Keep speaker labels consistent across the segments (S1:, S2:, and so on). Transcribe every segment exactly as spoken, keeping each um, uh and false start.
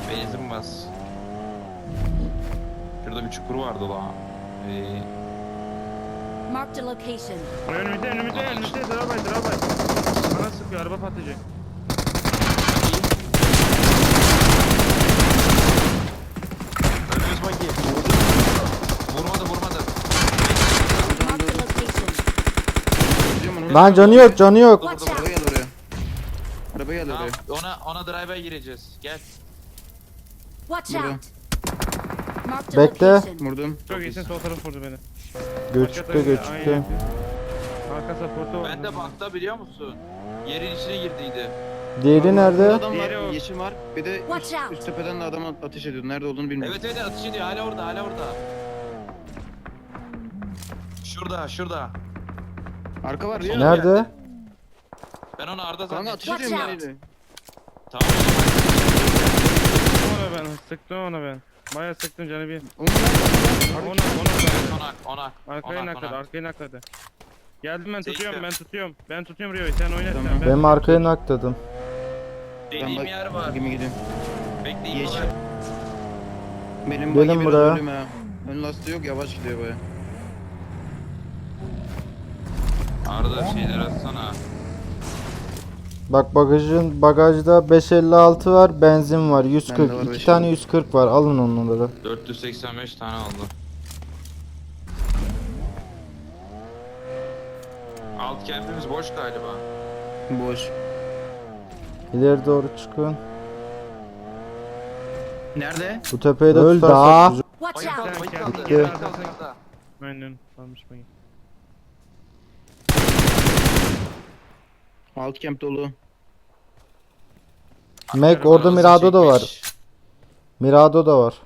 S1: Benzin bas. Şurada bir çukur vardı la. Ee,
S2: Marked a location.
S3: Önümüzde önümüzde önümüzde drabay drabay. Bana sıkıyor araba patlayacak.
S1: önümüz bagi. Vurmadı vurmadı.
S2: Marked a location.
S4: Lan canı yok canı yok.
S1: Vurdu,
S2: Watch
S1: vurdu.
S2: out.
S5: Araba geldi oraya. Araba geldi
S1: Tamam,
S5: oraya.
S1: ona ona drive'a gireceğiz. Gel.
S2: Watch
S5: Burada.
S2: out. Marked a
S4: Bekle.
S2: location.
S5: Vurdum.
S3: Çok iyisin, sol taraf vurdu beni.
S4: Göçükte göçükte.
S3: Arka supportu var.
S1: Ben de bakta biliyor musun? Yerin içine girdiydi.
S4: Diğeri
S5: Burada
S4: nerede?
S5: adam
S3: Diğeri
S5: var,
S3: o.
S5: yeşil var. Bir de
S2: Watch
S5: üst,
S2: out.
S5: üst tepeden de adam ateş ediyor. Nerede olduğunu bilmiyorum.
S1: Evet evet atış ediyor. Hala orada hala orada. Şurada şurada.
S5: Arka var ya.
S4: Nerede?
S1: Ben onu Arda
S5: Kanka ateş
S1: zannettim.
S2: Watch
S5: ediyorum
S2: out.
S5: yani.
S1: Tamam.
S3: Sıktım ona ben, sıktım ona ben. Bayağı sıktım canı bir.
S5: Oğlum nerede?
S3: Ona, ona.
S1: Onak onak.
S3: Arkaya
S1: Onak,
S3: nakladı,
S1: onak.
S3: arkaya nakladı. Geldim ben
S1: Çektim.
S3: tutuyorum, ben tutuyorum. Ben tutuyorum Rio'yu, sen oynat
S5: Tamam.
S3: sen. Ben...
S4: Benim arkaya nakladım.
S1: Dediğim yer var.
S5: Gemi gidiyorum.
S1: Bekleyin
S5: Yeşil.
S1: bana.
S5: Benim
S4: Gelin
S5: bagi biraz
S4: buraya.
S5: ölüm ha. Ön lastiği yok, yavaş gidiyor baya.
S1: Arda şeyler atsana.
S4: Bak bagajın bagajda beş elli altı var, benzin var, yüz kırk.
S5: Bende var
S4: iki
S5: beş
S4: tane
S5: elli.
S4: yüz kırk var. Alın onları.
S1: dört yüz seksen beş tane aldı. Alt kempimiz boş galiba.
S5: Boş.
S4: İleri doğru çıkın.
S5: Nerede?
S4: Bu tepeye de
S6: Öl
S4: tutarsak
S6: daha.
S4: güzel.
S2: Watch
S1: Bayı kaldı,
S2: out.
S1: bayı
S3: Sen
S1: kaldı.
S3: kendi
S1: Bayı
S3: geri
S1: kaldı,
S3: arkasına
S1: kaldı.
S3: Aynen, kalmış beni.
S5: Alt camp dolu.
S4: Mac orada
S1: Arası
S4: Mirado da var.
S1: çekmiş.
S4: Mirado da var.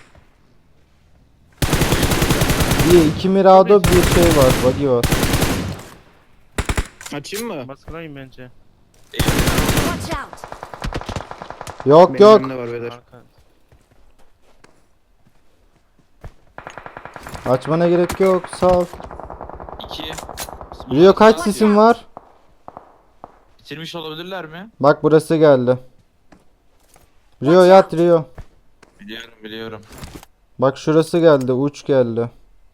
S4: Bir iki Mirado bir şey var. Buggy var.
S5: Açayım mı?
S3: Baskılayın bence.
S2: Watch out.
S4: Yok
S5: Benim
S4: yok.
S5: önümde var beyler.
S3: Arka.
S4: Açmana gerek yok. Sağ ol.
S1: İki.
S4: Rio kaç sisin var?
S1: Bitirmiş olabilirler mi?
S4: Bak burası geldi. Rio yat Rio.
S1: Biliyorum biliyorum.
S4: Bak şurası geldi. Uç geldi.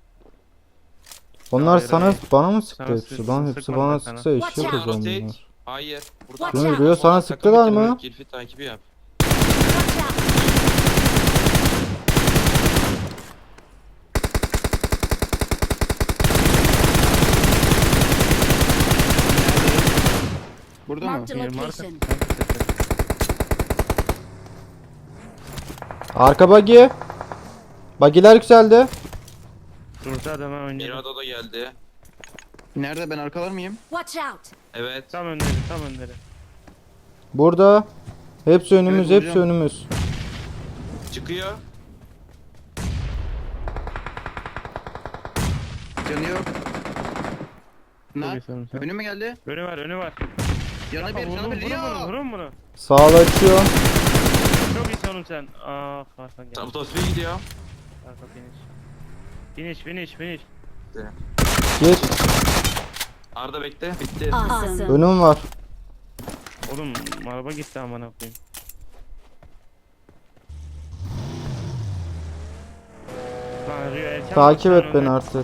S4: Onlar
S3: Hayır,
S4: sana
S3: hayır.
S4: bana mı sıktı
S3: Sana
S4: hepsi?
S3: sık-
S4: Lan hepsi
S3: sıkmadı
S4: bana
S3: sana.
S4: sıksa iş
S2: Watch
S4: yapacağım
S1: Rotate.
S4: bunlar.
S1: Hayır. Buradan.
S2: Watch out.
S4: Rio sana
S1: Takım
S4: sıktılar
S1: bitirme,
S4: mı?
S1: Kirfi takibi yap.
S2: Watch out.
S5: Burada mı?
S2: Marked a
S3: Bir marka.
S2: location.
S4: Arka buggy. Buggy'ler yükseldi.
S3: Dursa adama oynadı.
S1: Mirado da geldi.
S5: Nerede? Ben arkalar mıyım?
S2: Watch out.
S1: Evet.
S3: Tam önleri, tam önleri.
S4: Burada. Hepsi önümüz,
S5: Evet,
S4: hepsi
S5: vuracağım.
S4: önümüz.
S1: Çıkıyor.
S5: Canı yok.
S3: Çok
S5: Ne?
S3: iyi sanırım sen.
S5: Önüme geldi.
S3: Önü var, önü var.
S5: Yanı bir,
S3: Vurun,
S5: canı bir.
S3: vurun bunu,
S5: Rio!
S3: vurun bunu.
S4: Sağla açıyor.
S3: Çok iyisin oğlum sen. Ah, arkan geldi.
S1: Tam tosfiye gidiyor.
S3: Arka finish. Finish, finish, finish.
S4: Geç.
S1: Arda bekle. Bitti.
S2: Awesome.
S4: Önüm var.
S3: Oğlum araba gitti amına koyayım. Lan Rio erken
S4: Takip
S3: bak,
S4: et
S3: sen
S4: beni
S3: önden-
S4: artık.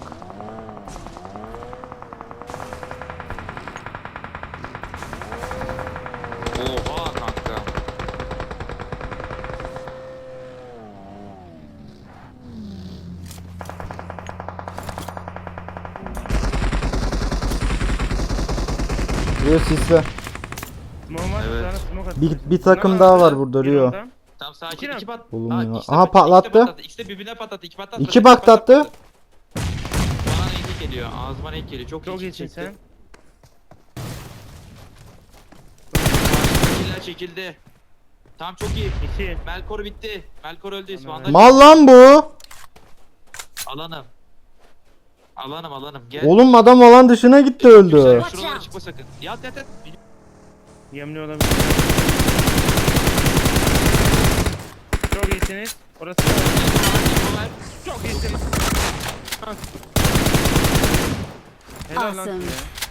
S1: Oha kanka.
S4: Rio sisle.
S3: Smoke at,
S1: Evet.
S3: sana smoke at.
S4: Bir, bir takım
S3: Bunlar
S4: daha
S3: var,
S4: var burada
S3: bir
S4: Rio.
S3: adam.
S1: Tamam sakin.
S3: İki
S1: İki pat.
S4: Oğlum
S1: Ha,
S4: ya.
S1: ikisi de
S4: Aha,
S1: pat- ikisi de
S4: patlattı.
S1: patladı. İkisi de birbirine patlattı. İki patlattı.
S4: İki
S1: İki
S4: patlattı.
S1: Bana renk geliyor. Ağzıma renk geliyor. Çok,
S3: Çok
S1: iyi
S3: iyisin
S1: çekti.
S3: sen.
S1: Çekildi çekildi. Tamam çok iyi.
S3: İki.
S1: Melkor bitti. Melkor öldü. İsmail.
S4: Mal lan bu.
S1: Alanım. Alanım alanım. Gel.
S4: Oğlum adam alan dışına gitti öldü.
S1: Şuralara, şuralara çıkma sakın. Yat yat yat.
S3: Yemli olabilir. Çok iyisiniz. Orası da
S1: Ver.
S3: çok iyisiniz. Helal lan
S2: Awesome.
S3: size.